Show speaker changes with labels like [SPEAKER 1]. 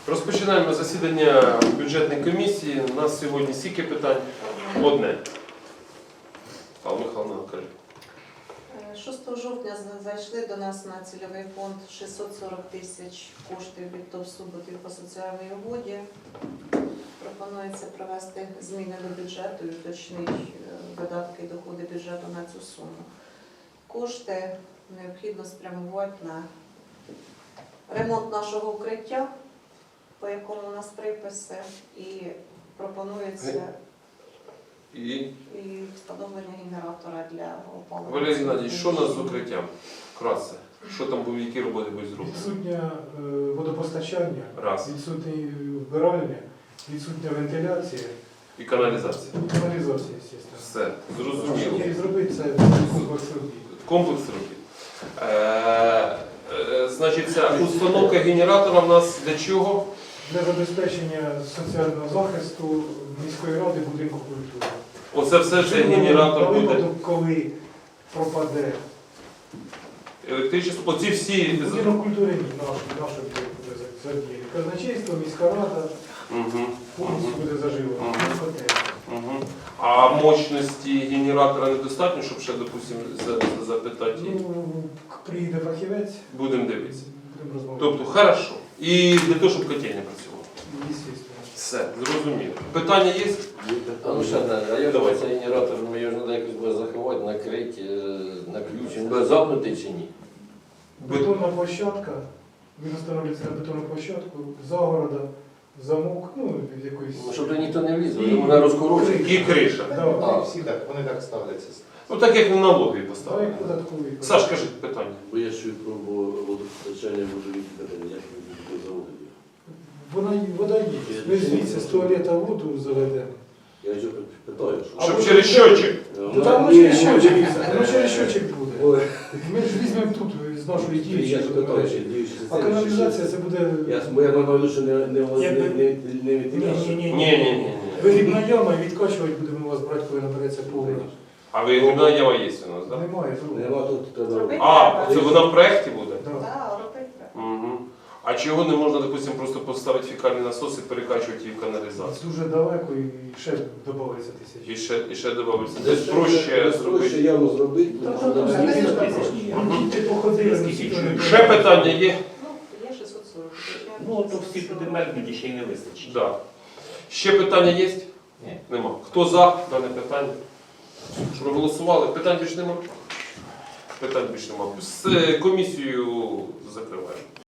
[SPEAKER 1] Розпочинаємо засідання бюджетної комісії. У нас сьогодні стільки питань. Одне. Павло Михайловна, кажи.
[SPEAKER 2] 6 жовтня зайшли до нас на цільовий фонд 640 тисяч коштів від ТОВ-Суботів по соціальній угоді. Пропонується провести зміни до бюджету і уточнити видатки і доходи бюджету на цю суму. Кошти необхідно спрямувати на ремонт нашого укриття, по якому у нас приписи, і пропонується і встановлення генератора для опалення.
[SPEAKER 1] Валерій Геннадійович, що у нас з укриттям? Вкратце. Що там були, які роботи будуть зроблені?
[SPEAKER 3] Відсутнє водопостачання,
[SPEAKER 1] Раз.
[SPEAKER 3] відсутні вбиральня, відсутня вентиляція
[SPEAKER 1] І каналізація.
[SPEAKER 3] і каналізація, звісно.
[SPEAKER 1] Все, зрозуміло.
[SPEAKER 3] І зробити це комплекс робіт.
[SPEAKER 1] Комплекс робіт. Значить, ця установка генератора в нас для чого?
[SPEAKER 3] Для забезпечення соціального захисту міської ради будинку культури.
[SPEAKER 1] Оце все ж генератор
[SPEAKER 3] На
[SPEAKER 1] буде.
[SPEAKER 3] випадок, коли пропаде
[SPEAKER 1] Електричество. Оці всі.
[SPEAKER 3] будинок культури, наш буде задіяний. Казначейство, міська рада
[SPEAKER 1] Угу.
[SPEAKER 3] повністю буде заживлена.
[SPEAKER 1] Угу. А мощності генератора недостатньо, щоб ще, допустимо, запитати?
[SPEAKER 3] Ну, приїде фахівець,
[SPEAKER 1] Будемо дивитися.
[SPEAKER 3] будемо розмовляти.
[SPEAKER 1] Тобто, хорошо. І для того, щоб котельня працювала.
[SPEAKER 3] Звісно.
[SPEAKER 1] Все, зрозуміло. Питання є?
[SPEAKER 4] Ну ще не, а як
[SPEAKER 1] Давай.
[SPEAKER 4] цей генератор, ну його ж треба якось буде заховати, накрити, на ключ, він буде замкнутий чи ні?
[SPEAKER 3] Бетонна площадка, він встановлюється на бетонну площадку, загорода, замок, ну, якоїсь...
[SPEAKER 4] Ну, щоб туди ніхто не вліз,
[SPEAKER 3] І-
[SPEAKER 4] вона розкорочує.
[SPEAKER 1] І криша.
[SPEAKER 3] Да,
[SPEAKER 4] А.
[SPEAKER 5] Всі так, вони так ставляться.
[SPEAKER 1] Ну так як на налоги
[SPEAKER 3] та
[SPEAKER 1] поставили.
[SPEAKER 3] як податковий.
[SPEAKER 1] Саш, кажи питання.
[SPEAKER 6] Бо я ще пробував водопостачання водовідведення, як ви заводили.
[SPEAKER 3] Вода є. Ми звідси з туалета воду заведемо.
[SPEAKER 6] Я вже питаю, що...
[SPEAKER 1] Щоб через щочик.
[SPEAKER 3] Ну там воно через щочик, воно через щочик буде.
[SPEAKER 6] Ой,
[SPEAKER 3] Ми ж візьмемо тут з нашої
[SPEAKER 6] я
[SPEAKER 3] діючої
[SPEAKER 6] ж питаю, ще
[SPEAKER 3] мережі.
[SPEAKER 6] діючі
[SPEAKER 3] А каналізація це буде...
[SPEAKER 6] Бо я маю, що не
[SPEAKER 3] Ні,
[SPEAKER 6] вентиляція.
[SPEAKER 1] Ні.
[SPEAKER 3] Вигрібна яма і відкачувати будемо у вас брати, коли набереться повний.
[SPEAKER 1] А ви грибна яма є у нас, так?
[SPEAKER 3] Немає.
[SPEAKER 6] Нема тут треба.
[SPEAKER 2] Зробити
[SPEAKER 1] А,
[SPEAKER 2] треба.
[SPEAKER 1] це вона в проєкті буде?
[SPEAKER 3] Да.
[SPEAKER 2] Так, робити треба.
[SPEAKER 1] Угу. А чого не можна, допустимо, просто поставити фекальний насос і перекачувати її в каналізацію?
[SPEAKER 3] Дуже далеко і ще додається тисяч.
[SPEAKER 1] І ще додається. Десь проще зробити.
[SPEAKER 6] яму зробити.
[SPEAKER 3] Ти походили,
[SPEAKER 1] Ще питання є?
[SPEAKER 2] Ну, є 640 тисяч.
[SPEAKER 7] Ну, то всі туди мерзнуть, ще й не вистачить.
[SPEAKER 1] Да. Ще питання є?
[SPEAKER 7] Ні.
[SPEAKER 1] Нема. Хто за дане питання? Проголосували? Питань більше нема? Питань більше нема. З комісією закриваємо.